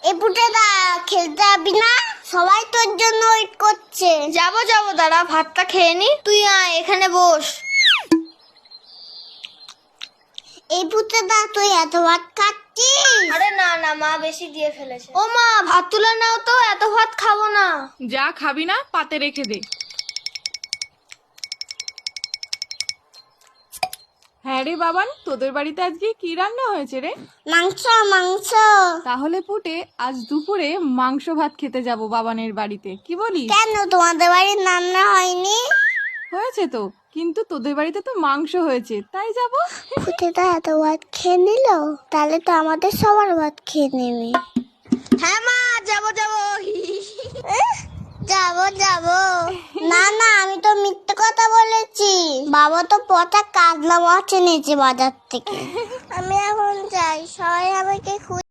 এই পুটেদা খেলতে যাবি না? সবাই তোর জন্য ওয়েট করছে। যাবো দাঁড়া, ভাতটা খেয়ে নি। তুই আয়, এখানে বস। এই পুটেদা তুই এত ভাত খাচ্ছিস? আরে না মা বেশি দিয়ে ফেলেছে। ও মা, ভাত তুলে নাও তো, এত ভাত খাবো না। যা খাবি না পাতে রেখে দে। হ্যাঁ রে বাবান, তোদের বাড়িতে আজকে কি রান্না হয়েছে রে? মাংস মাংস। তাহলে পুটে আজ দুপুরে মাংস ভাত খেতে যাব বাবানের বাড়িতে, কি বলিস? কেন তোমাদের বাড়ির রান্না হয়নি? হয়েছে তো, কিন্তু তোদের বাড়িতে তো মাংস হয়েছে, তাই যাব। পুটেদা এত ভাত খেয়ে নিল, তাহলে তো আমাদের সবার ভাত খেয়ে নেবে। হ্যাঁ মা, যাবো যাবো না না, আমি তো মিথ্যে কথা বলেছি। বাবা তো পচা কাজলা মাছ এনেছে বাজার থেকে। আমি এখন যাই, সবাই আমাকে